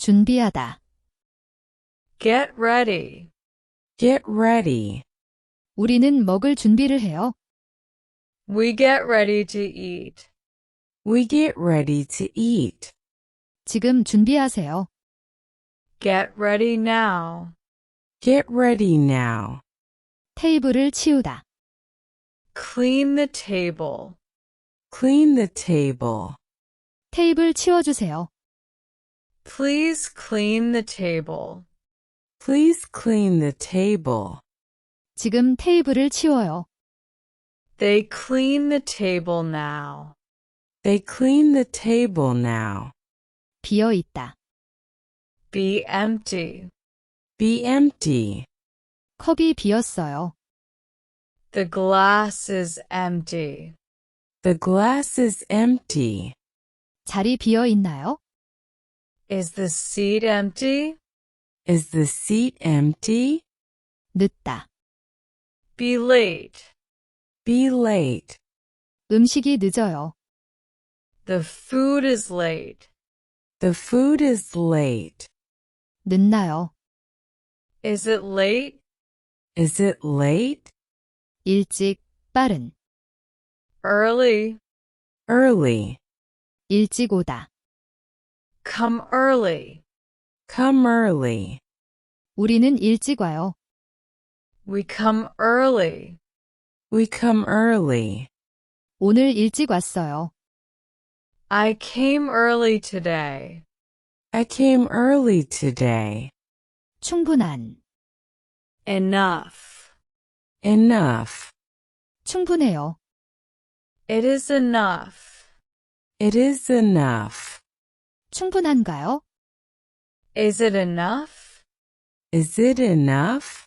준비하다. Get ready. Get ready. 우리는 먹을 준비를 해요. We get ready to eat. We get ready to eat. 지금 준비하세요. Get ready now. Get ready now. 테이블을 치우다. Clean the table. Clean the table. 테이블 치워주세요. Please clean the table. Please clean the table. 지금 테이블을 치워요. They clean the table now. They clean the table now. 비어 있다. Be empty. Be empty. 컵이 비었어요. The glass is empty. The glass is empty. 자리 비어 있나요? Is the seat empty? Is the seat empty? 늦다. Be late. Be late. 음식이 늦어요. The food is late. The food is late. 늦나요? Is it late? Is it late? 일찍, 빠른. Early. Early. 일찍 오다. Come early. Come early. 우리는 일찍 와요. We come early. We come early. 오늘 일찍 왔어요. I came early today. I came early today. 충분한. Enough. Enough. 충분해요. It is enough. It is enough. 충분한가요? Is it enough? Is it enough?